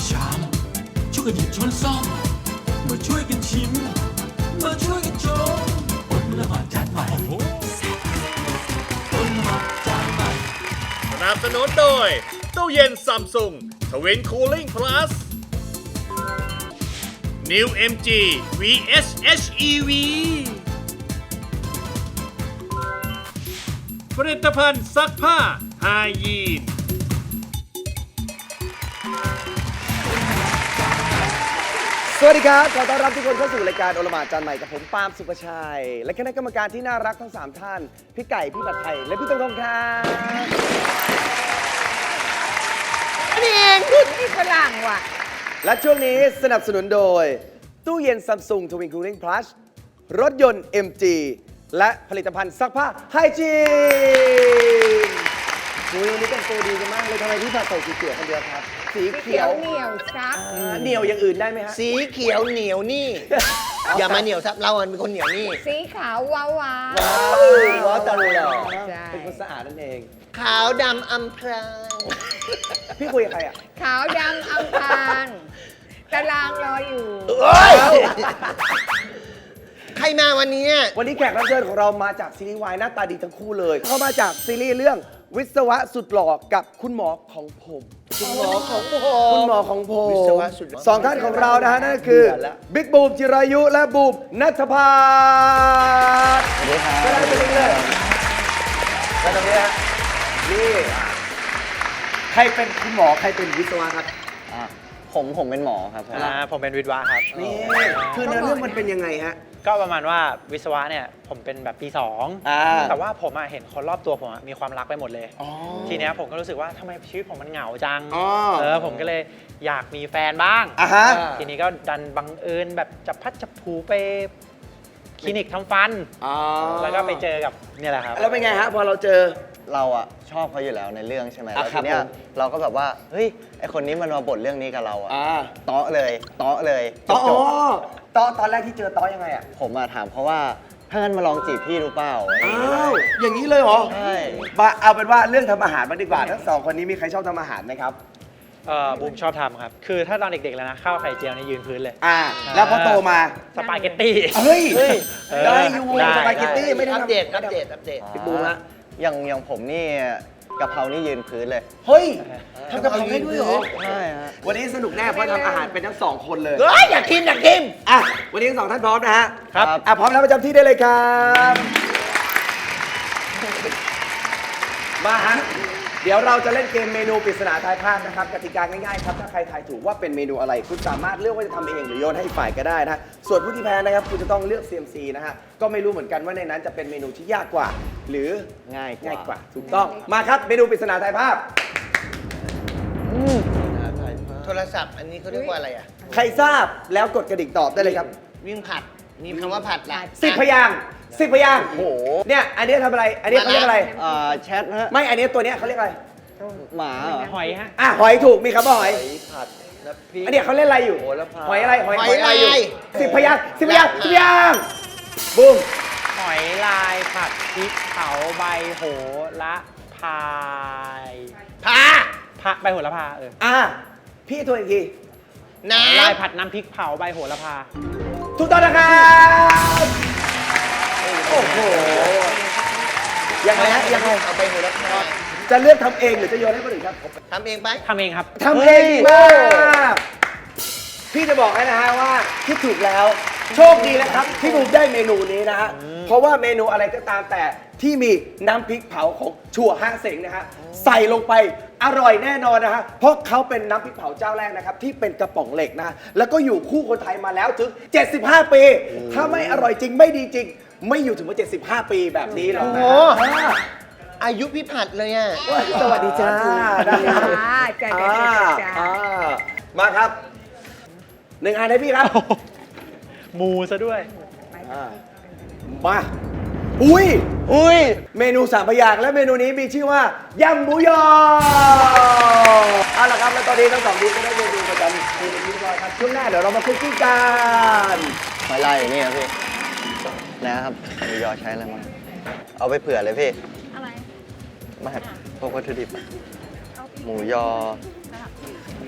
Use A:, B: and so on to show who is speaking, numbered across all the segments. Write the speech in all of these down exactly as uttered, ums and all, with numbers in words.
A: ชามช่วยกันหยิบช้อนซ่อมมาช่วยกันชิมมาช่วยกันชมอดละหมาดจานใหม่อดละหมาดจานใหม่
B: สนับสนุนโดยตู้เย็นซัมซุงทวินคูลิ่งพลัส New เอ็ม จี วี เอส เอช อี วี ผลิตภัณฑ์ซักผ้าไฮยีน
C: สวัสดีครับขอต้อนรับทุกคนเข้าสู่รายการโอละหมาดจานใหม่กับผมปาล์มสุภชัยและคณะกรรมการที่น่ารักทั้งสามท่านพี่ไก่พี่ผัดไทยและพี่ตงทงครับ
D: นี่เองคุณนี่ฝรั่งว่ะ
C: และช่วงนี้สนับสนุนโดยตู้เย็น Samsung Twin Cooling Plus รถยนต์ เอ็ม จี และผลิตภัณฑ์ซักผ้าไฮจีนวันนี้แต่งตัวดีกันมากเลยทำไมพี่ผัดใส่สีเขียวคนเดียวครับสีเขียว
D: เหนียวซับ
C: เหนียวอย่างอื่นได้ไหมฮะ
E: สีเขียวเหนียวนี่ อย่ามาเหนียวซับเราเป็นคนเหนียวนี่
D: สีขาวว้าวว้า
C: ว้าวตลอด
D: ใช่
C: เป็นคนสะอาดนั่นเอง
E: ขาวดำอำพราง
C: พี่คุยกับใครอ่ะ
D: ขาวดำอัมพานตารางรออยู่
E: ใครมาวันนี้
C: วันนี้แขกรับเชิญของเรามาจากซีรีส์วายหน้าตาดีทั้งคู่เลยเขามาจากซีรีส์เรื่องวิศวะสุดหล่อกับคุณหมอของผมคุณหมอของผมคุณหมอของผม
E: วิศวะสุดหล่อ
C: สองท่านของเรานะฮะนั่นก็คือบิ๊กบูมจิรายุและบูมนัทภาสสวัสดีครับก็ได้ไปเลยแล้วตรงนี้ฮะนี่ใครเป็นคุณหมอใครเป็นวิศวะครับ
F: ผมผมเป็นหมอครับผม
G: อ่าผมเป็นวิศวะครับ
C: นี่คือในเรื่องมันเป็นยังไงฮะ
G: ก็ประมาณว่าวิศวะเนี่ยผมเป็นแบบปีสอง
C: อ่า
G: แต่ว่าผมอะเห็นคนรอบตัวผมอะมีความรักไปหมดเลย
C: อ๋อ
G: ทีเนี้ยผมก็รู้สึกว่าทำไมชีวิตผมมันเหงาจัง
C: อ๋อ
G: เออผมก็เลยอยากมีแฟนบ้าง
C: อ่ะฮะ
G: ทีนี้ก็ดันบังเอิญแบบจับพัดจับผูไปคลินิกทำฟัน
C: อ๋อ
G: แล้วก็ไปเจอกับเนี่ยแหละครับ
C: แล้วเป็นไงฮะพอเราเจอ
F: เราอะชอบเขาอยู่แล้วในเรื่องใช่ไหม
C: อ่ะ
F: แล้ว
C: ครั
F: ที
C: บ
F: เนี้ย
C: ผม
F: เราก็แบบว่าเฮ้ยไอคนนี้มันมาบทเรื่องนี้กับเราอะ
C: อ่า
F: เตาะเลยเตาะเลยจ
C: ตอบ
F: จบ
C: ตอนตอนแรกที่เจอตอยังไงอ่ะ
F: ผมมาถามเขาว่าถ้างั้นมาลองจีบพี่ดูเปล่า
C: อ้าว อย่างนี้เลยเหรอ
F: ใช่
C: มาเอาเป็นว่าเรื่องทำอาหารมางดีกว่าทั้งสองคนนี้มีใครชอบทำอาหารไหมครับ
G: เออบูมชอบทำครับ คือถ้าตอนเด็กๆแล้วนะข้าวไข่เจียวนี่ยืนพื้นเลย
C: อ่า แล้วพอโตมา
G: สปาเกตตี้
C: เฮ้ย
G: เออ
C: ได้อยู่
G: ได้
C: สปาเกตตี้ไม่ได้
E: อัป
C: ทำ
E: เดต อัปเดต อัปเดต
C: พี่บูมฮะ
F: อย่างอย่างผมนี่กะเพรานี่ยืนพื้นเลย
C: เฮ้ยทำกับผมได้ด้วยเหรอ
F: ใช่ฮะ
C: วันนี้สนุกแน่เพราะทำอาหารเป็นทั้งสองคนเลย
E: เฮ้ย อยากกิน อยากกิน
C: อ่ะ วันนี้ทั้งสองท่านพร้อมนะฮะ
G: ครับ
C: อ่ะพร้อมแล้วประจำที่ได้เลยครับ มาฮะ เดี๋ยวเราจะเล่นเกมเมนูปริศนาทายภาพนะครับกติกาง่ายๆครับถ้าใครทายถูกว่าเป็นเมนูอะไรคุณสามารถเลือกว่าจะทำเองหรือโยนให้ฝ่ายก็ได้นะฮะส่วนผู้ที่แพ้นะครับคุณจะต้องเลือก ซี เอ็ม ซี นะฮะก็ไม่รู้เหมือนกันว่าในนั้นจะเป็นเมนูที่ยากกว่า หรือ
F: ง่ายกว่า
C: ง่ายกว่าถูกต้องมาครับเมนูปริศนาทายภาพ
E: โทรศัพท์ อันนี้เขาเรียกว่าอะไรอ่ะ
C: ใครทราบแล้วกดกระดิ่งตอบได้เลยครับ
E: วิ่งผัด มีคำว่าผัดละ
C: สิบพยางค์สิบพยางค์
F: โอ้โห
C: เนี่ยอันนี้ทำอะไรอันนี้เขาเรียกอะไร
F: อ่าแชทฮะ
C: ไม่อันนี้ตัวเนี้ยเขาเรียกอะไร
F: หมาเหรอ
G: หอยฮะ
C: อ่ะหอยถูกมีคำว่าหอย
F: ผัดน้ำพริก
C: อันเนี้ยเขาเล่นอะไรอยู่
F: โหระพา
C: หอยอะไรหอย
E: หอย
C: อะไรอยู่
E: ลาย
C: สิบพยางค์สิบพยางค์สิบพยางค์บูม
G: หอยลายผัดพริกเผาใบโหระพาย
E: พา
G: พะใบโหระพาเออ
C: อ่ะพี่ทวนอีกที
E: น้
G: ลายผัดน้ำพริกเผาใบโหระพา
C: ถูกต้องนะครับโอ้โหยังไงฮะยังไง
E: ำเอาไปหัวละพา
C: จะเลือกทำเองหรือจะโยนให้คนอื่นครับ
E: ทำเองไป
G: ทำเองครับ
C: ทำเองดีมากพี่จะบอกให้นะฮะว่าคิดถูกแล้วโชคดีนะครับที่บูมได้เมนูนี้นะฮะเพราะว่าเมนูอะไรก็ตามแต่ที่มีน้ำพริกเผาของชั่วห้างเสงนะฮะใส่ลงไปอร่อยแน่นอนนะฮะเพราะเขาเป็นน้ำพริกเผาเจ้าแรกนะครับที่เป็นกระป๋องเหล็กนะฮะแล้วก็อยู่คู่คนไทยมาแล้วถึงเจ็ดสิบห้าปี ถ้าไม่อร่อยจริงไม่ดีจริง ไม่อยู่ถึงมาเจ็ดสิบห้าปีแบบนี้หรอกนะ
E: โอ้โห
C: อ่า
E: อายุพี่ผัดเลยอ่ะ
C: สวัสดีจ้า
D: จ้าจ้าจ้าจ้าจ้า
C: อ่ามาครับหนึ่งอันให้พี่ครับ
G: มูซะด้วย
C: อ่ามาอุ้ย
F: อุ้ย
C: เมนูสามพยางค์และเมนูนี้มีชื่อว่ายำหมูยอเอาละครับแล้วตอนนี้ทั้งสองทีมก็ได้เมนูประจำทีมเป็นที่เรียบร้อยครับช่วงหน้าเดี๋ยวเรามาคุกกิ้งกัน
F: หอยลายอยู่นี่ครับพี่นะครับหมูยอใช้อะไรมาเอาไปเผื่อเลยพี่
D: อะไร
F: ไมาพวกวัตถุดิบอะหมูยอ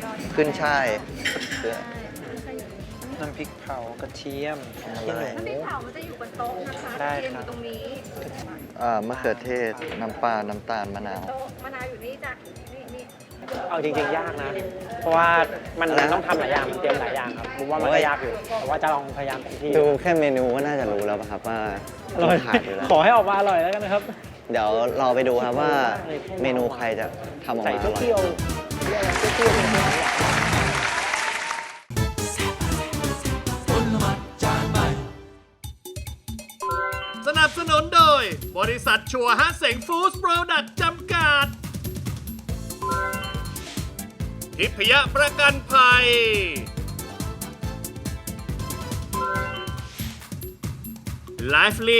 F: ขึ้นช่ายเพื่อ
G: น้ำพริกเผากระเทียม
F: ทำอะไร
D: น้ำพริกเผามันจะอยู่บนโต๊ะนะคะ
G: ได้
D: เทียม
G: ค
D: อ
G: รับ
D: ยู่ตรงนี้
F: อ่ามะเขือเทศ น้ำปลา น้ำตาล มะนาว
D: โต๊ะมะนาวอยู่นี่จ้ะนี่นี่
G: เอาจริงๆ ยากนะ เพราะว่ามัน
F: อะไรนะ
G: ต้องทำหลายอย่างมันเตรียมหลายอย่างครับผมว่ามันก็ยากอยู่ แต่ว่าจะลองพยายามเต็มที่
F: ดูแค่เมนูก็น่าจะรู้แล้วป่ะครับว่า
G: อร่อย
F: ขาดอยู่แล้ว
G: ขอให้ออกมาอร่อยแล้วกันนะครับ
F: เดี๋ยวรอไปดูครับว่าเมนูใครจะทำออก
G: ใส่
F: มาอร่อย
G: เที่ยวๆเรียกอะไรเที่ยวๆเป็นๆ
A: ต้นมัดจานใหม่
B: สนับสนุนโดย บริษัทชัวร์ฮะเสงฟู้ดโปรดักต์จำกัด ทิพยประกันภัย ไลฟ์ลี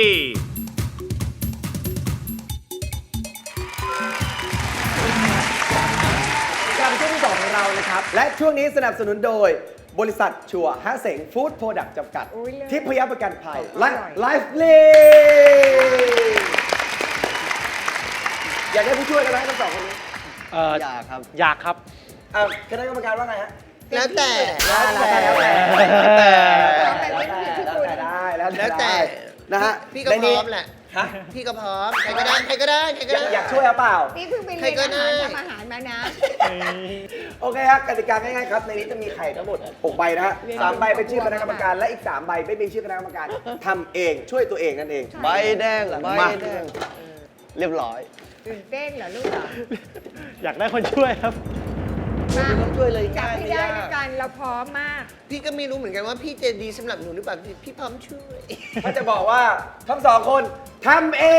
C: กลับมาช่วงที่สองของเรานะครับ และช่วงนี้สนับสนุนโดยบริษัทชัวร์ฮะเสงฟู้ดโปรดักต์จำกัด
D: อุ๊ยเลิศ
C: ทิพยประกันภัย
D: อร่
C: และ
D: อย
C: ไลฟ์ลีอยากได้ผู้ช่วยกันไหมทั้งสองคนนี้
G: เอ่อ
F: อยากครับ
G: อยากครับ
C: อ่าคณะกรรมการว่าไงฮะ
E: แล้วแต่
C: แล้วแต่แล้วแต่
F: แล้วแต่
C: แล้วแต่แล้วแต่ได้แล้ว
E: แล้วแต่
C: ได้นะฮะ
E: พี่ก็
C: ใน
E: พ
C: นี้
E: ร้อมแหละ
C: ฮะ
E: พี่ก็พร้อม ใครก็ได้ ใครก็ได้ ใครก็
C: อยา
E: ได้
C: กอยากช่วยหรือเปล่า
D: นี่เพิ่งไปเรียน
E: ใครก็
D: อา
E: ได้
D: หารทำอาหารมานะ
C: โอเคครับกติกาง่ายๆครับ ในนี้จะมีไข่ทั้งหมดหกใบนะฮะสามใบเป็นชื่อคณะกรรมการ และอีกสามใบไม่เป็นชื่อคณะกรรมการทำเองช่วยตัวเองนั่นเอง
F: ใบแดงใบ
C: มา
F: แดง เรียบร้อย
D: ตื่นเต้นเหรอลูกเหรอ
G: อยากได้คนช่วยครับ
D: มา
E: ต้องช่วยเลย
D: จับ
E: ง่าย
D: ให้
E: ไม่
D: ได้
E: ยา
D: ด้วย
E: ก
D: กันเราพร้อมมาก
E: พี่ก็ไม่รู้เหมือนกันว่าพี่จะดีสำหรับหนูหรือเปล่า พี่พร้อมช่วย
C: เขาจะบอกว่าทั้งสองคนทำเอง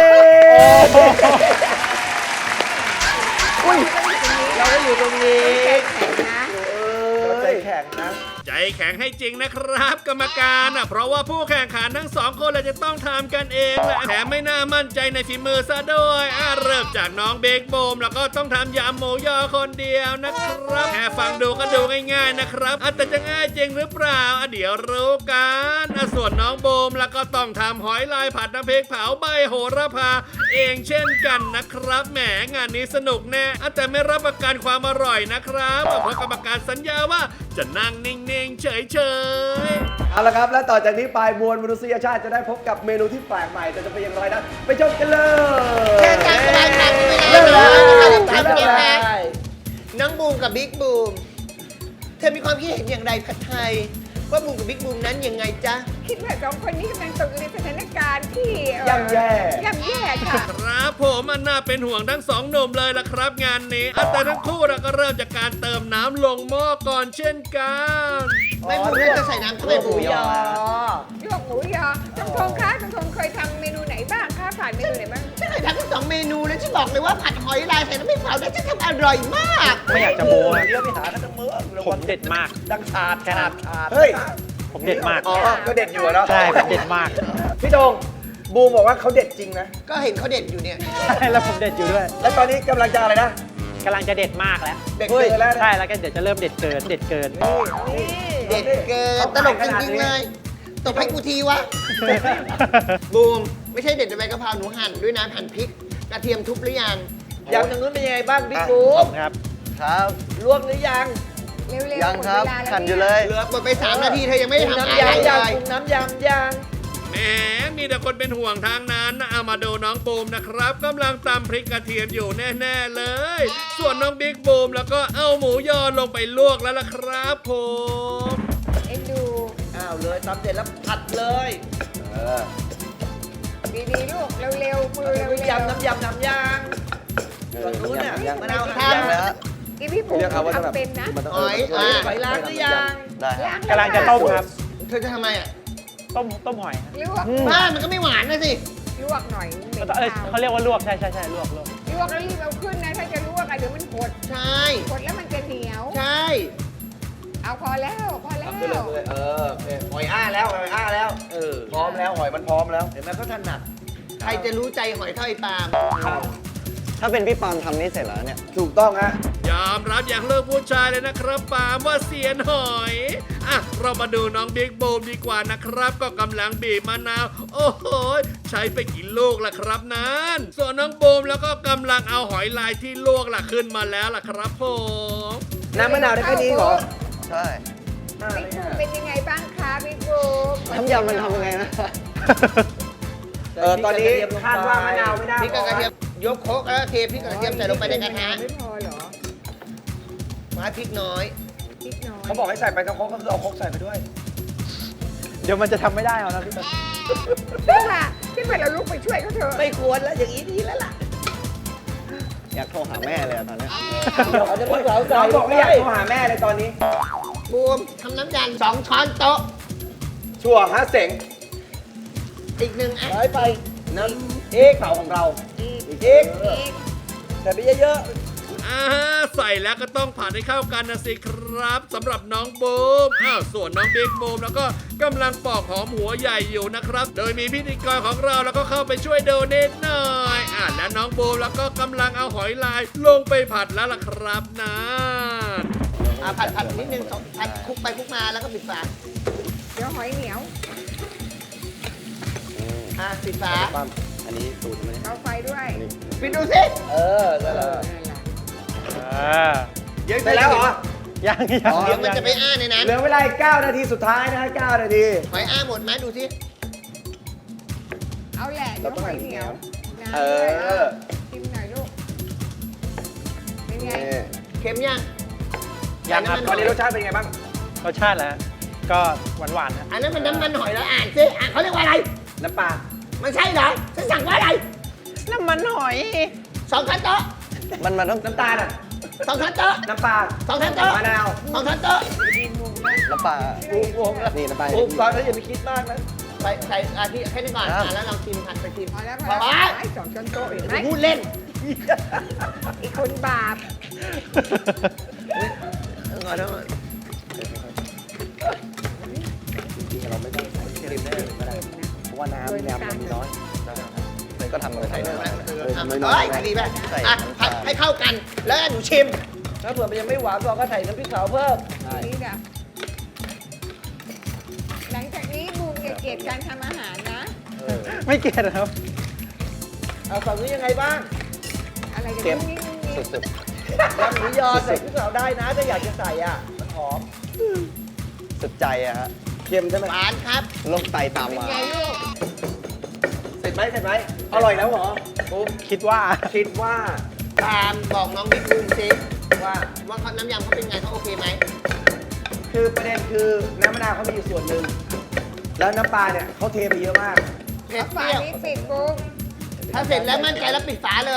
D: อุ้ยเราก็อยู่ตรงนี้
C: เราใจแข็งนะ
B: ใจแข็งให้จริงนะครับกรรมการอ่ะเพราะว่าผู้แข่งขันทั้งสองคนเลยจะต้องทำกันเองแหละแถมไม่น่ามั่นใจในฝีมือซะด้วยอ่ะเริ่มจากน้องเบคโบมแล้วก็ต้องทำยำหมูยอคนเดียวนะครับแค่ฟังดูก็ดูง่ายๆนะครับอ่ะแต่จะง่ายจริงหรือเปล่าอ่ะเดี๋ยวรู้กันอ่ะส่วนน้องโบมแล้วก็ต้องทำหอยลายผัดน้ำพริกเผาใบโหระพาเองเช่นกันนะครับแหมงานนี้สนุกแน่อ่ะแต่ไม่รับประกันความอร่อยนะครับอ่ะเพราะกรรมการสัญญาว่าจะนั่งนิ่งๆเฉยๆ
C: เอาละครับ และต่อจากนี้ไปมวลมนุษยชาติจะได้พบกับเมนูที่แปลกใหม่แต่จะเป็นอย่างไรนั้นไปชมกันเลย
E: แค่การแสดงหนังเว
C: เริ่ม
E: ลา
C: เลย
E: เรา
C: เริ่ม
E: ทำ
C: เล
E: เกมแรก
C: ย
E: น้องบูมกับบิ๊กบูม เธอมีความคิดเห็นอย่างไรผัดไทย ว่าบูมกับบิ๊กบูมนั้นยังไงจ๊ะ
D: คิดว่าสองคนนี้กำลังตกอยู่ในสถานการณ์ที่เอ่อ
C: ย่ำแย่
D: ย่ำแย่ค่ะ
B: ครับผมอันน่าเป็นห่วงทั้งสองหนุ่มเลยล่ะครับงานนี้อ่ะแต่ทั้งคู่เราก็เริ่มจากการเติมน้ำลงหม้อก่อนเช่นกัน
E: ไม่บูมน่าจะใส่น้ำทำไมบูม
C: ยอ
D: ลวกหมูยอทงทงคะทงทงเคยทำเมนูไหนบ้างคะผ่านเมนูไหนบ้าง
E: ฉันเคยทำทั้งสองเมนูแล้วฉันบอกเลยว่าผัดหอยลายใส่น้ำพริกเผาแล้วฉันทำอร่อยมาก
G: ไม่อยากจะโม้นะ
C: เดี๋ยวไปหากันทั้งเมือง
G: ผมเด็ดมาก
C: ดังชาดแค่นั้นเฮ้ย
G: ผมเด็ดมาก
C: อ๋อ ก็เด็ดอยู่อะเนาะ
G: ใช่ผมเด็ดมาก
C: พี่โดงบูมบอกว่าเขาเด็ดจริงนะ
E: ก็เห็นเขาเด็ดอยู่เนี่ย
G: ใช่แล้วผมเด็ดอยู่ด้วย
C: แล้วตอนนี้กำลังจะอะไรนะ
G: กำลังจะเด็ดมากแล้ว
C: เด็ดเกินแล้วนะ
G: ใช่แล้วก็เดี๋ยวจะเริ่มเด็ดเกินเด็ดเกิน
E: เด็ดเกินตลกจริงๆเลยตบให้กูทีวะ บูม ไม่ใช่เด็ดแต่ใบกะเพราหนูหั่นด้วยนะหั่นพริกกระเทียมทุบหรือยัง
C: อย่างทางนู้นเป็นยังไงบ้างบิ๊กบู
G: ผม มครับ
F: ครับ
C: ลวกหรือยัง
D: เร็วๆ
F: ยังครับ
D: หมดเวลาแล้ว
F: ขันอยู่เลย
E: เหลือหมดไปสามนาทีเธอยังไม่ได้ทำอะไร
C: น้ำยำ
E: เล
C: ยัง
E: ย
C: ปรุงน้ำยำยัง
B: แหมมีแต่คนเป็นห่วงทางนั้นนะเอามาดูน้องบูมนะครับกำลังตำพริกกระเทียมอยู่แน่ๆเลย ส่วนน้องบิ๊กบูมแล้วก็เอาหมูยอลงไปลวกแล้วล่ะครับผม
D: เอ็นดู
C: อ้าวเลยตำเสร็จแล้วผัดเลย เออ
D: ดีๆลูกเร็วๆมือเร็วๆ
C: ยำน้ำยำน้ำยางฝั่งนู้นเนี่ยมะนาว
E: ทำ
C: หั่น
F: แล้ว
D: อีพี่ผม
C: เรียกเขาว่าจะแบบ
D: ทำเป็นนะ
C: มันต้อง
E: หอย
C: เอ
E: อ่ะ
C: อหอยล้างหรือยัง
F: ได้ครับ
D: ล้าง
G: กำลังจะต้มครับ
E: เธอจะทำไมอ่ะ
G: ต้มต้มหอยครับ
D: ลวก
E: บ้ามันก็ไม่หวานนะสิ
D: ลวกหน่อยเหม็น
G: เอ้ย
D: คาว
G: เขาเรียกว่าลวกใช่ใช่ใช่ลวกลวก
D: ลวกแล้วรีบเอาขึ้นนะถ้าจะลวกอะเดี๋ยวมันหด
E: ใช่
D: หดแล้วมันจะเหนียว
E: ใช่
D: เอาพอแล้วพอแล้ว
C: ขึ้นเลยขึ้นเลยเออโอเคหอยอ้าแล้วหอยอ้าแล้ว
E: เออ
C: พร้อมแล้วหอยมันพร้อมแล้ว เห็นไหมเขาถนัด
E: ใครจะรู้ใจหอยเท่าไอ้ปาล์ม
F: ถ้าเป็นพี่ปาล์มทำนี่เสร็จแล้วเนี่ย
C: ถูกต้องฮะ
B: ยอมรับอย่างเลิกผู้ชายเลยนะครับปาล์มว่าเสียนหอยอ่ะเรามาดูน้องบิ๊กบูมดีกว่านะครับ ก็กำลังบีบมะนาว โอ้โหใช้ไปกี่ลูกล่ะครับนั้นส่วนน้องบูมแล้วก็กำลังเอาหอยลายที่ลวกล่ะขึ้นมาแล้วล่ะครับผม
C: น้ำมะนาวได้แค่นี้เหรอ
F: ใช่
D: บิ๊กบูมเป็นยังไงบ้างคะบิ๊กบูม
F: น้ำยำมันทำยังไงนะ
C: เออตอนนี้คาดว่ามะนาวไม่น่า
E: พริกกับกระเทียมยกโคกแล้วเทพริกกับกระเทียมใส่ลงไปในกระทะ
D: ไม่พอเหรอ
E: มาพริกน้อย
D: พริกน้อย
C: เขาบอกให้ใส่ไปทั้งครกก็คือเอาครกใส่ไปด้วย
G: เดี๋ยวมันจะทำไม่ได้เอานะพี่
D: ขึ้นมาขึ้นมาเราลุกไปช่วยเขาเถอะ
E: ไม่ควรแล้วอย่างนี้ดีแล้วล่ะ
F: อยากโทรหาแม่เลยอะตอนเนี้ย
C: เขาจะพี่สาวเราบอกไม่อยากโทรหาแม่เลยตอนนี้
E: บูมทำน้ำยำสองช้อนโต๊ะ
C: ชัวร์ฮะเสง
E: อีกหนึ่งอัน
C: ร้อยไปน้ำเอกเผาของเราอีกเอกใส่ไปเยอะ
B: อ่าใส่แล้วก็ต้องผัดให้เข้ากันนะสิครับสำหรับน้องบูมอ้าวส่วนน้องบิ๊กบูมแล้วก็กำลังปอกหอมหัวใหญ่อยู่นะครับ โดยมีพิธีกรของเราแล้วก็เข้าไปช่วยดูนิดหน่อยอ่าและน้องบูมแล้วก็กำลังเอาหอยลายลงไปผัดแล้วล่ะครับนะ
E: อ่ะผัดผัดนิดนึงสองผัดคลุกไปคลุกมาแล้วก็ปิดฝา
D: เดี๋ยวหอยเหนียว
E: อ่ะปิดฝา
C: ๆปั๊มอันนี้สูตรมัน
D: เอาไฟด้วย
E: ปิดดูสิ
C: เออได้แล้ว
D: นั่นแหละ
G: อ่า
C: เยอะไปแล้วเหรอ
G: ยังยัง
E: เดี๋ยวมัน
G: ยัง
E: จะไปอ้าในนั้น
C: เหลือเวลาอีกเก้านาทีสุดท้ายนะฮะเก้านาที
E: หอยอ้าหมดไหมดูสิ
D: เอาแหละเดี๋ยวหอยเหนียวน้ำ
C: เอ
D: ด้วย
C: อ
D: ชิมหน่อยลูก เป็นไง
C: นี่
E: เค็มยัง
G: ยังครับ
C: ตอนนี้รสชาติเป็นไงบ้าง
G: รสชาติแล้วก็หวานหวานๆนะ
E: อันนั้นมันน้ำมันหอยแล้วอ่านสิอ่านเขาเรียกว่าอะไร
C: น้ำปลา
E: มันใช่เหรอฉันสั่งว่าอะไร
G: น้ำมันหอย
E: สองช้อนโต๊ะ
F: มันมันต้อง
C: น้ำตาลอ่ะ
E: สองช้อนโต๊ะ
C: น้ำปลา
E: สองช้อนโต๊ะ
C: มะนาว
E: สองช้อนโต๊ะ
F: น้ำปลานี่น้ำปลา
C: ปุ๊บตอนนั้นอย่าไปคิดมากนะ
E: ใส่ใส่อาทิแค่นี้ก่อน
F: ครับ
E: อ่ะแล้วเราชิมผัดไปชิม
D: พอแล้วพ
E: พ
D: อ
E: อ
D: แล้ว
E: แล้ว
D: ไอ้สองช้อนโต๊ะเห็นไหม
E: พูดเล่น
D: อีกคนบาป
E: งอนแล้ว
C: จริงๆเราไม่ต้องใส่ครีมได้เลยก็ได้เพราะว่าน้ำน้ำมันมีน้อย
F: ก็ทำมือใส่ได้ไหม
E: เอ้ยดีไหม
F: ใส่
E: อ่ะ
F: น้ำ
E: ผั
F: ตา
E: ด
F: ล
E: ให้เข้ากัน แล้วหนูชิม
C: ถ้าเผื่อมันยังไม่หวานเราก็ใส่น้ำพริกเผาเพิ่ม
D: นี่นะหลังจากนี้บูมอย่าเกลียดการทำอาหารนะ
G: ไม่เกลียดครับ
C: เอาฝั่งนี้ยังไงบ้าง
D: อะไรกัน
C: เค็ม
D: นี่นี่
F: สุด
C: ยำหมูยอใส่พริกเผาได้นะถ้าอยากจะใส่อ่ะมันหอม
F: ๆสุดใจอะฮะ
C: เค็มใช่ไหม
E: หวานครับ
F: โรคไตตาม
D: เป็น
F: มา
D: ไงลูก
C: เสร็จไหมเสร็จไหมอร่อยแล้วเหรอปุ๊บ
G: คิดว่า
C: คิดว่า
E: ตามบอกน้องบิ๊กบูมสิ
C: ว่า
E: ว่าเขาน้ำยำเขาเป็นไงเขาโอเคไหม
C: คือประเด็นคือน้ำมะนาวเขามีอยู่ส่วนหนึ่งแล้วน้ำปลาเนี่ยเขาเทไปเยอะมาก
E: เผ็ด
D: เอา
E: เป
D: ฝา
E: รี้ยว
D: นี้ปิดบูม
E: ถ้าเสร็จแล้วมั่นใจแล้วปิดฝาเลย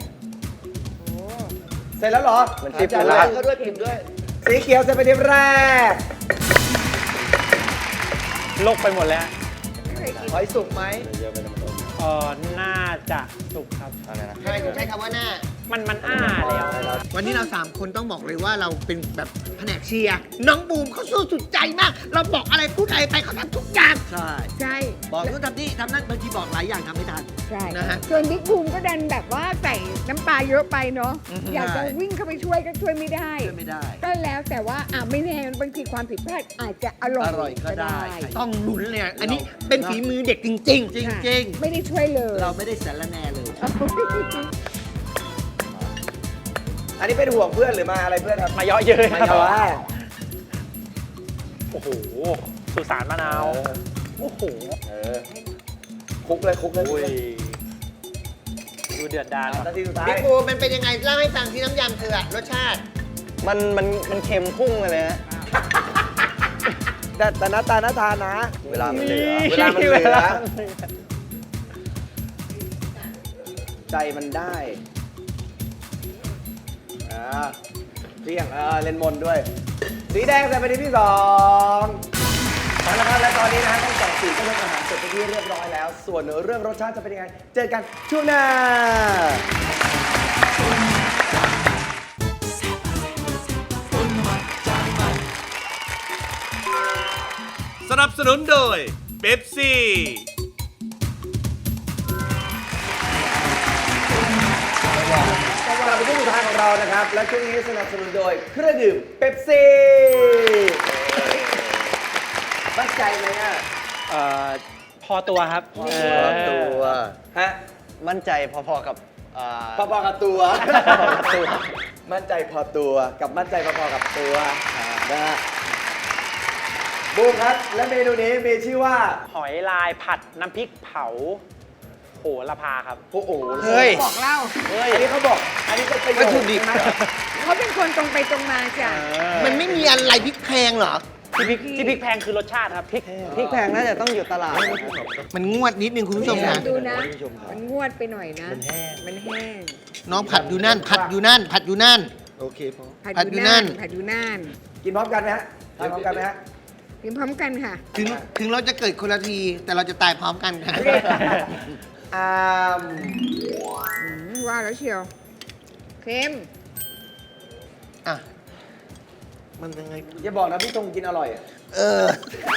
C: เสร็จแล้วเหรอ
F: มันทิพย์
C: อา
F: แล้
C: จาว รย์เขาด้วยพิมพ์ด้วย สีเขียวเสร็จไปนทีแรก
G: โลกไปหมดแล้ว
D: ไม่เคยกิน
C: หอยสุกไหม
G: เออน่าจะสุกครับ
F: อะไรนะ
E: ทำไมถึงใช้คำว่าหน้า
G: มันมันอ้าแล้ว
E: วันนี้เราสามคนต้องบอกเลยว่าเราเป็นแบบแผนกเชียร์ น้องบูมเขาสู้สุดใจมาก เราบอกอะไรพูดอะไรไปเขาทำทุกอย่าง
C: ใช่
D: ใช่
C: บอกนู่นทำนี่ทำนั่นบางทีบอกหลายอย่างทำไม่ทัน
D: ใช่
E: นะฮะ
D: ส่วนบิ๊กบูมก็ดันแบบว่าใส่น้ำปลาเยอะไปเนาะ
C: อือฮึ
D: อยากจะวิ่งเข้าไปช่วยก็ช่วยไม่ได้
C: ช่วยไม่ได้
D: ก็แล้วแต่ว่าอ่ะไม่แน่บางทีความผิดพลาดอาจจะอร่อย
C: อร่อยก็ได้
E: ต้องลุ้นเลยอะอันนี้เป็นฝีมือเด็กจริง ๆ
C: จริง
D: ไม่ได้ช่วยเลย
C: ๆ เราไม่ได้สารแนเลย อันนี้เป็นห่วงเพื่อนหรือมาอะไรเพื่อนครับ
G: มาเยอะเย้ย
C: มา
G: ครับ
C: เยอะ
G: โอ้โห สุสานมะนาว โอ้โห
C: เออคลุกเลยคลุกเลย
G: อุ้ย ดูเดือดดาล
C: นาทีสุดท้าย
E: บิ๊กบูมมันเป็นยังไงเล่าให้ฟังที่น้ำยำเธออะรสชาติ
F: มันมันมันเค็มพุ่งไปเลยฮะ
C: แต่แต่หน้าตาหน้าทานนะ
F: เวลามันเหลือ
C: เวลามันเหลือ ใจมันได้อ่าเรียงเออเลนมนด้วย สีแดงใส่ไปที่สองเอาละครับและตอนนี้นะฮะทั้งสองสีก็เลือกอาหารเสร็จเป็นที่เรียบร้อยแล้ว ส่วนเรื่องรสชาติจะเป็นยังไง เจอกันช่วงหน้า
B: สนับสนุนโดยเป๊ปซี่
C: กลับไปที่สุดท้ายของเรานะครับ และช่วงนี้สนับสนุนโดยเครื่องดื่มเป๊ปซี่มั่นใจไหมอ่ะ
G: เอ่อ พอตัวครับ
C: พอตัว
G: เออ
C: ฮะ
F: มั่นใจพอๆกับอ่า
C: พอๆกับตัว มั่นใจพอตัวกับมั่นใจพอๆกับตัวนะฮะบูมครับและเมนูนี้มีชื่อว่า
G: หอยลายผัดน้ำพริกเผาโหระพาครับ
C: โอ้โห
E: เฮ้ย
D: บอกเล่า
C: อันนี้เขาบอก อันนี้เป็นประโย
E: วัต
C: ช
E: ถุ
C: น์
E: ดิบ
C: ใช่ไหม
D: เขาเป็นคนตรงไปตรงมาจ้ะ
E: มันไม่มีอะไรพริกแพงเหรอ
G: ที่พริกที่พริกแพงคือรสชาติครับพริก
F: พริกแพงน่าจะต้องอยู่ตลาด
E: มันงวดนิดนึงคุณผู้ชมนะ
D: ดูนะ มันงวดไปหน่อยนะ มันแห้ง มันแห้ง
E: น้องผัดอยู่นั่น ผัดอยู่นั่น ผัดอยู่นั่น
C: โอเคพอ
D: ผัด
E: ผัด
D: อ
E: อยู่
D: ยู่
E: นั่
D: นั่
E: น
D: นผัดอยู่นั่น
C: กินพร้อมกันไหมฮะทานพร้อมกันไหมฮะ
D: กินพร้อมกันค่ะ
E: ถึงถึงเราจะเกิดคนละที แต่เราจะตายพร้อมกันค่ะ
C: อาม
D: อืมว่าแล้วเชียวเค็ม
E: อ่ะ
C: มันยังไงอย่าบอกนะพี่ตรงกินอร่อยอะ
E: เออ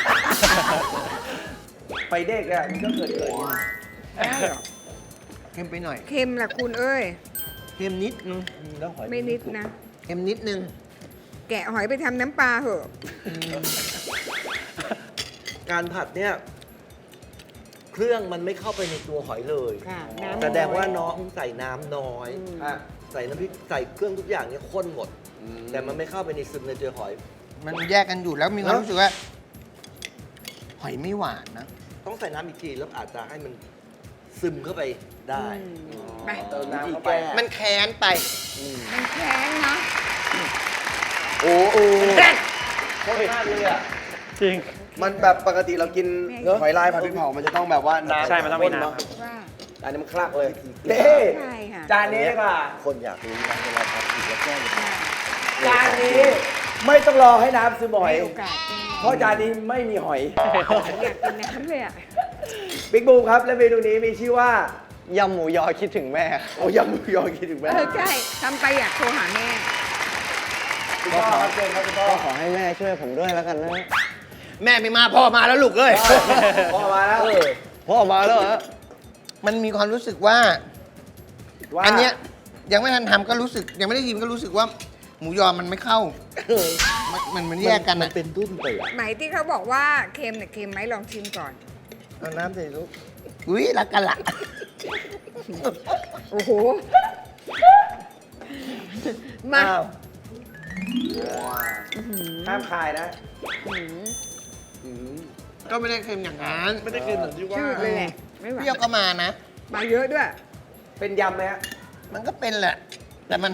C: ไปเด็กอะมันก็เกิดเกิดอยู่
D: ได้เหรอ
E: เค็มไปหน่อย
D: เค็มล่ะคุณเอ้ย
E: เค็มนิดนึง
C: แล้วหอย
D: ไม่นิดนะ
E: เค็มนิดนึง
D: แกะหอยไปทำน้ำปลาเหอะ
H: การผัดเนี่ย เครื่องมันไม่เข้าไปในตัวหอยเลย
D: ค่ะน้ำ
H: แสดงว่าน้องใส่น้ำน้อย
C: อ่ะ
H: ใส่น้ำพริกใส่เครื่องทุกอย่างเนี่ยข้นหมด แต่มันไม่เข้าไปในซึมในตัวหอย
E: มันแยกกันอยู่แล้วมีความรู้สึกว่า หอยไม่หวานนะ
H: ต้องใส่น้ำอีกทีแล้วอาจจะให้มันซึมเข้าไปได้
D: ไป
C: เติม
H: วิ
C: น้ำ
H: ธี
C: เข้าไป
H: แก้
E: มันแค้นไป
D: มันแข็งเนาะ
C: โอ้โหโคตรมากเลยอ่ะ
G: จริง
C: มันแบบปกติเรากินหอยลายผัดพริกเผามันจะต้องแบบว่าน้ำ
G: ใช่มันต้องมีน้ำ
C: ข้
G: ครับ
D: ว่า
C: อันนี้มันคลักเลยเด้
D: ใช่ค่ะ
C: จานนี้ดีกว่า
H: คนอยากรู้นะเวลาผัดผิดแล้วแก้ยังไง
C: จานนี้ไม่ต้องรอให้น้ำซึมหอย
D: ให้โอกาสแก
C: เพราะจานนี้ไม่มีหอย
D: อยากกินน้ำเลยอ่ะ
C: บิ๊กบูมครับ และเมนูนี้มีชื่อว่า
F: ยำหมูยอคิดถึงแม่
C: โอ้ยำหมูยอคิดถึงแม่
D: เออใช่ทำไปอยากโทรหาแม่
C: คุณพ่อครับเชิญครับคุณพ่อ
F: ก็ขอให้แม่ช่วยผมด้วยแล้วกันนะ
E: แม่ไม่มาพ่อมาแล้วลูกเอ้ย
C: พ่อมาแล้ว
F: พ่อมาแล้วเหรอ
E: มันมีความรู้สึกว่า
C: ว่า
E: อันเนี้ยยังไม่ทันทำก็รู้สึก ยังไม่ได้ชิมก็รู้สึกว่า หมูยอมันไม่เข้า มันมันมันแยกกัน
H: มั
E: อะ
H: นเป็นดุ้นไปอะ
D: ไหมที่เขาบอกว่าเค็มเนี่ยเค็มไหมลองชิมก่อน
H: เอาน้ำใส่ลูก
E: อุ้ยรักกันละ
D: โอ้โห มา
C: อ้าวห้ามคายนะ
E: ก็ไม่ได้เค็มอย่างนั้น
H: ไม่ได้กินเหมือนที่ว่า
D: ชื่อเลยแหละไม่ไหว
E: เปรี้ยวก็มานะ
D: มาเยอะด้วย
C: เป็นยำไหมฮะ
E: มันก็เป็นแหละ แต่มัน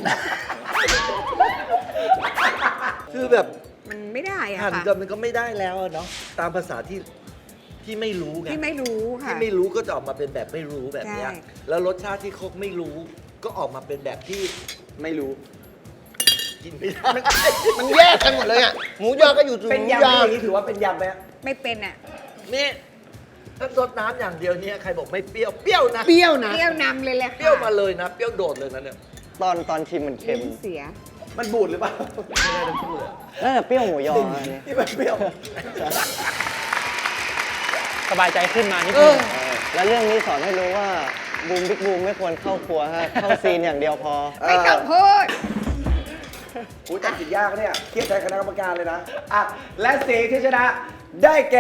H: คือแบบ
D: มันไม่ได้อะ
H: หั่น
D: ค่ะ
H: กันมันก็ไม่ได้แล้วอะเนาะตามภาษาที่ที่ไม่รู้ไง
D: ที่ไม่รู้ค่ะ
H: ที่ไม่รู้ก็จะออกมาเป็นแบบไม่รู้แบบเนี้ย
D: ใช่
H: แล้วรสชาติที่เขาไม่รู้ ก็ออกมาเป็นแบบที่
C: ไม่รู้
H: กินไม่ได้
E: มันแยกกันหมดเลยอ่ะ หมูยอก็อยู่ตรง
C: เป็น
E: หมู
C: ยำ
E: ย
C: ไหม
E: อ
C: อย่างนี้ถือว่าเป็นยำไหมฮะ
D: ไม่เป็นอ่ะ
H: นี่ถ้าซดน้ำอย่างเดียวเนี่ยใครบอกไม่เปรี้ยวเปรี้ยวนะ
E: เปรี้ยวนะ
D: เปรี้ยวนำเลยแหละค่ะ
H: เปรี้ยวมาเลยนะเปรี้ยวโดดเลยนะเนี่ย
F: ตอนตอนชิมมันเค็ม
D: ลิ้นเสีย
C: มันบูดหรือเปล่า
F: น่าจะเปรี้ยวหมูยออันนี้
C: ที่มันเปรี้ยว
G: สบายใจขึ้นมานิด
E: เอ
G: นึ
E: อ
G: ง
F: แล้วเรื่องนี้สอนให้รู้ว่าบูมบิ๊กบูมไม่ควรเข้าครัวฮะ เข้าซีนอย่างเดียวพอ
D: ไม่ต้องพูด
C: อู้ตัดสินยากเนี่ยเครียดใจคณะกรรมการเลยนะ อ่ะ และสีที่ชนะ ได้แก่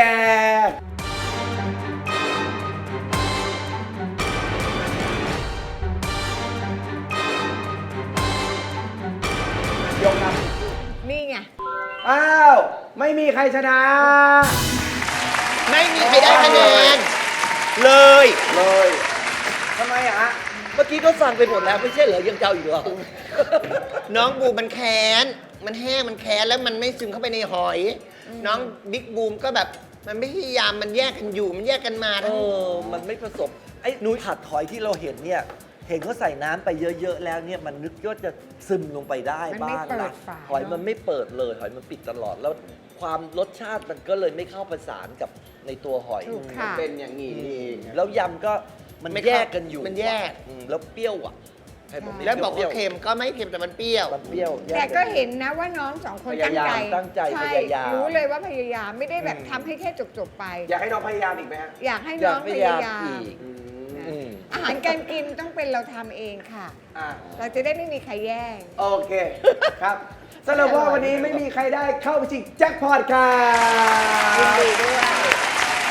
C: ยกครับ
D: นี่ไง
C: อ้าว ไม่มีใครชนะ
E: ไม่มีใครได้คะแนน เลย
C: เลยทำไมอะฮะ
H: เมื่อกี้ก็ฟังไปหมดแล้วไม่ใช่เหรอยังเจ้าอีกเหรอ
E: น้องบูมมันแค้น มันแห้ง มันแค้น แล้วมันไม่ซึมเข้าไปในหอย น้องบิ๊กบูมก็แบบ มันไม่พยายาม มันแยกกันอยู่ มันแยกกันมา
H: เอ
E: ทั้ง
H: อ มันไม่ผสม ไอ้หนูผัดหอยที่เราเห็นเนี่ย เห็นเขาใส่น้ำไปเยอะๆแล้วเนี่ย มันนึกว่าจะซึมลงไปได้
D: มันไม่
H: บ้าง
D: เปิ
H: นะ
D: ดฝา
H: หอยมันไม่เปิดเลย หอยมันปิดตลอด แล้วความรสชาติมันก็เลยไม่เข้าประสานกับในตัวหอย
D: ถูกค่ะ
C: เป็นอย่างนี้
H: อื
C: นี่เอ
H: ม
C: ง
H: แล้วยำก็มัน
E: ไม่เข้า
H: แยกกันอยู่
E: มันแยก
H: อืมแล้วเปรี้ยวอ่ะใครบอกไม่
E: แล้วบอก
H: ปรี้
E: ว่าย เค็มก็ไม่เค็มแต่มันเปรี้ยว
H: มันเปรี้ยวแย
D: แต่
H: น
D: ก็เห็นนะว่าน้องสองคนตั้งใจ
H: พยายามตั้งใจ
D: ช่
H: พยายาม
D: รู้เลยว่าพยายามไม่ได้แบบทำให้แค่จบๆไป
C: อยากให้น้องพยายามอีกไหมฮะ
D: อยากให้
H: อยา
D: น้
H: ก
D: อง
H: พ
D: พ
H: ยายาย
D: าม ยาม
H: อีก
C: อืม
H: อืม
D: อาหารการกินต้องเป็นเราทำเองค่ะ
C: อ่ะ
D: เราจะได้ไม่มีใครแย่ง
C: โอเค ครับสำหรับว่าวันนี้ไม่มีใครได้เข้าไปชิงแจ็คพอตค่ะ
D: ยินดีด้วย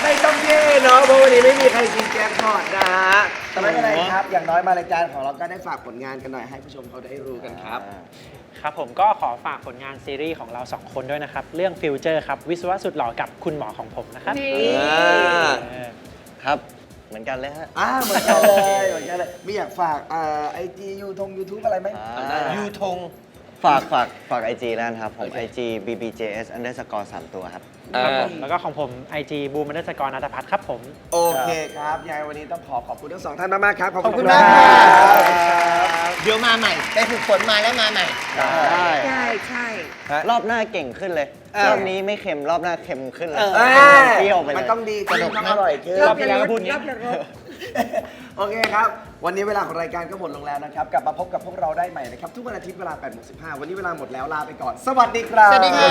C: ไม่ต้องเย่เนาะเพราะวันนี้ไม่มีใครกินแจ็คพอตนะฮะแต่ไม่เป็นไรครับ อย่างน้อยมารายการของเราก็ได้ฝากผลงานกันหน่อยให้ผู้ชมเขาได้รู้กันครับ
G: ครับผมก็ขอฝากผลงานซีรีส์ของเราสองคนด้วยนะครับ เรื่องฟิวเจอร์ครับ วิศวะสุดหล่อกับคุณหมอของผมนะครับ
D: นี่
G: เออ
F: ครับ เหมือนกันเลยฮะ
C: อ่าเหมือนกันเลยเหมือนกันเลยไม่อยากฝากไอจียูทงยูทูบอะไรไหม
F: อ่า
C: ยูทง
F: ฝากฝากฝาก ไอ จี แล้วนะครับ ผม ไอ จี บี บี เจ เอส underscore สามตัวครับ
G: ครับผมแล้วก็ของผม ไอ จี บูมนัสกรนัทพัฒน์ครับผม
C: โอเคครับยังไงวันนี้ต้องขอขอบคุณทั้งสองท่านมากๆครับ
E: ขอบคุณมาก
C: ค
E: ค
C: รั
E: รับ เดี๋ยวมาใหม่ ได้ฝึกฝนมาแล้วมาใหม่
F: ได้
D: ใช่ใช่
F: รอบหน้าเก่งขึ้นเลย รอบนี้ไม่เค็ม รอบหน้าเค็มขึ้นเลย
C: เออ
F: เปรี้ยวไปเลย
C: มันต้องดีขึ้นต้องอร่อยขึ้น
G: รอบที่แล้วก็พูดอย่างนี้
D: รอบละรอบ
C: โอเคครับ วันนี้เวลาของรายการก็หมดลงแล้วนะครับ กลับมาพบกับพวกเราได้ใหม่นะครับ ทุกวันอาทิตย์เวลาแปดโมงสิบห้าวันนี้เวลาหมดแล้วลาไปก่อน สวัสดีครับ
E: สวัสดีครับ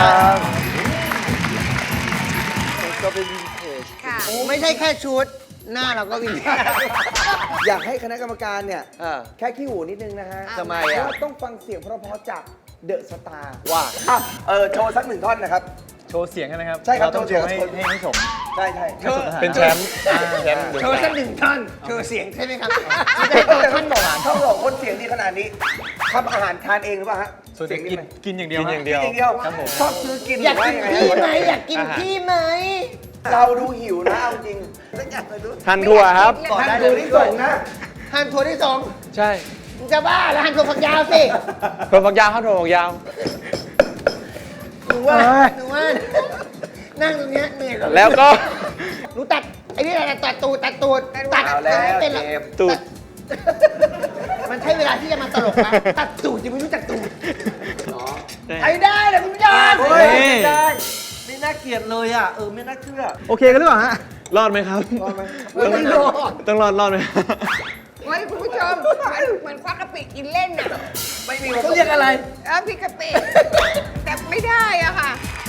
C: ก็เป็นวินเทจ
D: ค่ะ
E: ไม่ใช่แค่ชุด หน้าเราก็วินเทจ
C: อยากให้คณะกรรมการเนี่ย
H: อ่า
C: แค่ขี้หูนิดนึงนะฮะ
H: ทำไม
C: เพ
H: อ่ะ
C: ราะว่าต้องฟังเสียงเพราะๆจากเดอะสตาร์
H: ว่า
C: อ่ะเออโชว์สักหนึ่งท่อนนะครับ
I: โชว์เสียงใช่ไหมครับ
C: ใช่ครับ
I: เราต้องโชว์ให้
C: โชว์เสียง
I: ให้ให้สม
C: ใช่ใช่
I: เป็นแชมป์แชมป์เดี๋ยว
E: โชว์สักหนึ่งท่อน โชว์เสียงใช่ไหมครับ
C: ท่านบอกท่านบอกคนเสียงดีขนาดนี้ทำอาหารทานเองหรือเปล่าฮะ
I: ส่วน
C: เสียง
I: กิน
C: ไหม
I: กินอย่างเดียว
H: กินอย่างเดียว
C: กินอย่างเดียว
I: ครับผม
C: ชอบซื้อกิน
E: อยากกิน
C: หรื
E: พี่
C: ว่
E: ไหม
C: งง
E: อยากกินพี่ไหม
C: เราดูหิวนะเอาจริงสักอย่างเลยดู
I: ทันทั่วครับ
C: ก่อนได้เลยที่ส่งนะ
E: หั่นถั่วที่สอง
I: ใช่
E: มึงจะบ้าแล้วหั่นถั่วฝักยาวสิ
I: ถั่วฝักยาวครับถั่วฝักยาว
E: หนูว่าหนูว่านั่งตรงเนี้ยเหนื่อยกว่า
I: แล้วก็
E: หนูตัดไอ้นี่อะไรตัดตูดตัดตูดตัด
C: เอาแล้ว
E: ไม่เป็นหรอก
C: เกม
I: ตูด
E: มันใช้เวลาที่จะมาตลกนะตัดตูดยังไม่รู้จักตูด
C: เนาะ
E: ไอ้ได้เลยคุณผู้ชม
C: เฮ้ย
I: นี่
C: ไม่ได้
H: ไม่น่าเกลียดเลยอ่ะ เออ ไม่น่าเชื่อ
I: โอเคกันหรือเปล่าฮะ รอดไหมครับ
C: รอดไหม
E: ไม่รอด
I: ต้องรอดรอดไหม
D: โอ้ยคุณผู้ชมมันเหมือนควักกะปิกินเล่นน่ะ
C: ไม่มี
H: เขาเรียกอะไร
D: เออพี่กะปิแต่ไม่ได้อะค่ะ